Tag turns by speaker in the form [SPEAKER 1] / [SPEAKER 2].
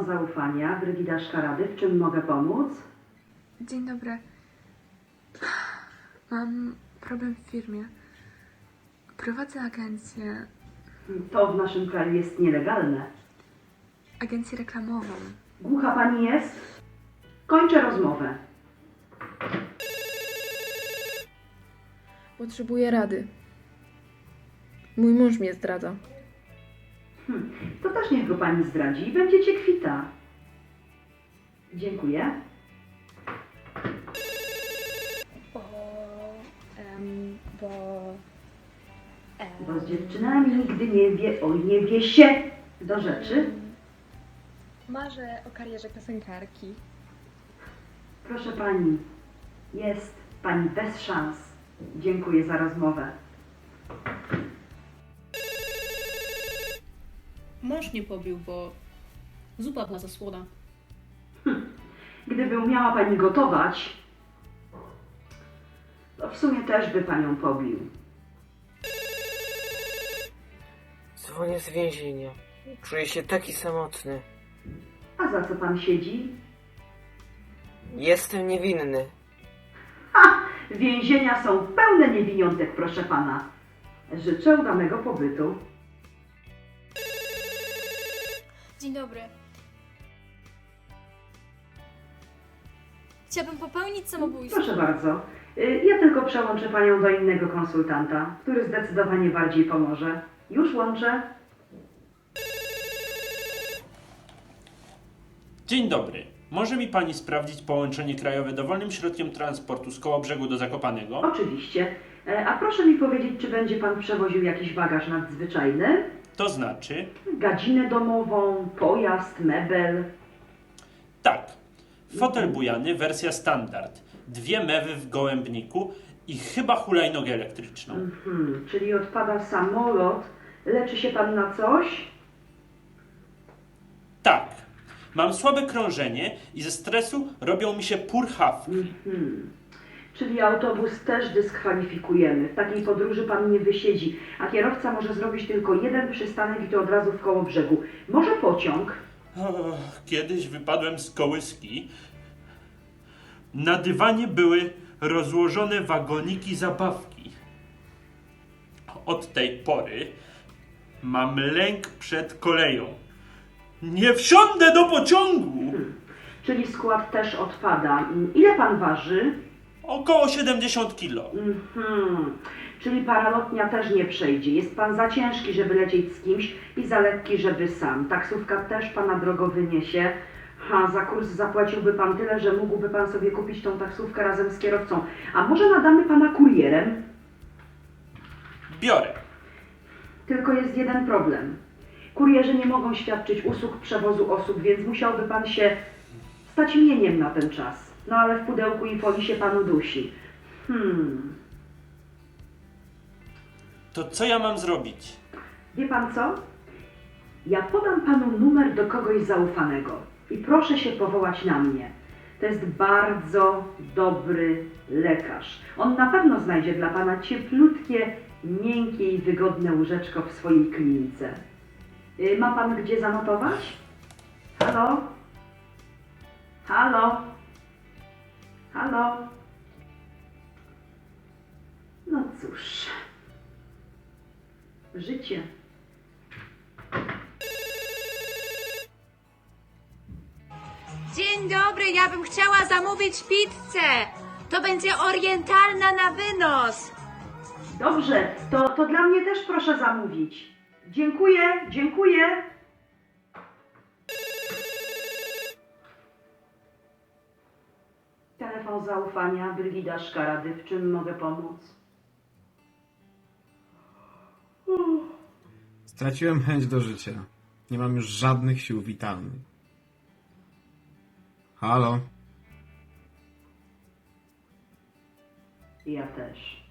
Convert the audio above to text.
[SPEAKER 1] zaufania, Brygida Szkarady. W czym mogę pomóc?
[SPEAKER 2] Dzień dobry. Mam problem w firmie. Prowadzę agencję
[SPEAKER 1] To w naszym kraju jest nielegalne.
[SPEAKER 2] reklamową.
[SPEAKER 1] Głucha pani jest? Kończę rozmowę.
[SPEAKER 3] Potrzebuję rady. Mój mąż mnie zdradza.
[SPEAKER 1] To też niech go pani zdradzi i będziecie kwita. Dziękuję. Bo z dziewczynami nigdy nie wie, oj nie wie się. Do rzeczy.
[SPEAKER 2] Marzę o karierze piosenkarki.
[SPEAKER 1] Proszę pani, jest pani bez szans. Dziękuję za rozmowę.
[SPEAKER 4] Mąż mnie pobił, bo zupa była za słona.
[SPEAKER 1] Gdyby umiała pani gotować, to w sumie też by panią pobił.
[SPEAKER 5] Dzwonię z więzienia. Czuję się taki samotny.
[SPEAKER 1] A za co pan siedzi?
[SPEAKER 5] Jestem niewinny.
[SPEAKER 1] Więzienia są pełne niewiniątek, proszę pana. Życzę udanego pobytu.
[SPEAKER 6] Dzień dobry. Chciałabym popełnić samobójstwo.
[SPEAKER 1] Proszę bardzo. Ja tylko przełączę panią do innego konsultanta, który zdecydowanie bardziej pomoże. Już łączę.
[SPEAKER 7] Dzień dobry. Może mi pani sprawdzić połączenie krajowe dowolnym środkiem transportu z Kołobrzegu do Zakopanego?
[SPEAKER 1] Oczywiście. A proszę mi powiedzieć, czy będzie pan przewoził jakiś bagaż nadzwyczajny?
[SPEAKER 7] To znaczy?
[SPEAKER 1] Gadzinę domową, pojazd, mebel.
[SPEAKER 7] Tak. Fotel bujany, wersja standard. 2 mewy w gołębniku i chyba hulajnogę elektryczną.
[SPEAKER 1] Czyli odpada samolot. Leczy się pan na coś?
[SPEAKER 7] Tak. Mam słabe krążenie i ze stresu robią mi się purchawki.
[SPEAKER 1] Czyli autobus też dyskwalifikujemy. W takiej podróży pan nie wysiedzi, a kierowca może zrobić tylko jeden przystanek i to od razu w Kołobrzegu. Może pociąg?
[SPEAKER 7] Kiedyś wypadłem z kołyski. Na dywanie były rozłożone wagoniki zabawki. Od tej pory mam lęk przed koleją. Nie wsiądę do pociągu!
[SPEAKER 1] Czyli skład też odpada. Ile pan waży?
[SPEAKER 7] Około 70 kilo.
[SPEAKER 1] Czyli paralotnia też nie przejdzie. Jest pan za ciężki, żeby lecieć z kimś i za lekki, żeby sam. Taksówka też pana drogo wyniesie. Za kurs zapłaciłby pan tyle, że mógłby pan sobie kupić tą taksówkę razem z kierowcą. A może nadamy pana kurierem?
[SPEAKER 7] Biorę.
[SPEAKER 1] Tylko jest jeden problem. Kurierzy nie mogą świadczyć usług przewozu osób, więc musiałby pan się stać mieniem na ten czas. No ale w pudełku i folii się panu dusi.
[SPEAKER 7] To co ja mam zrobić?
[SPEAKER 1] Wie pan co? Ja podam panu numer do kogoś zaufanego i proszę się powołać na mnie. To jest bardzo dobry lekarz. On na pewno znajdzie dla pana cieplutkie, miękkie i wygodne łóżeczko w swojej klinice. Ma pan gdzie zanotować? Halo? Halo? Halo? No cóż. Życie.
[SPEAKER 8] Dzień dobry, ja bym chciała zamówić pizzę. To będzie orientalna na wynos.
[SPEAKER 1] Dobrze, to dla mnie też proszę zamówić. Dziękuję, dziękuję. Telefon zaufania, Brygida Szkarady. W czym mogę pomóc?
[SPEAKER 9] Straciłem chęć do życia. Nie mam już żadnych sił witalnych. Halo?
[SPEAKER 1] Ja też.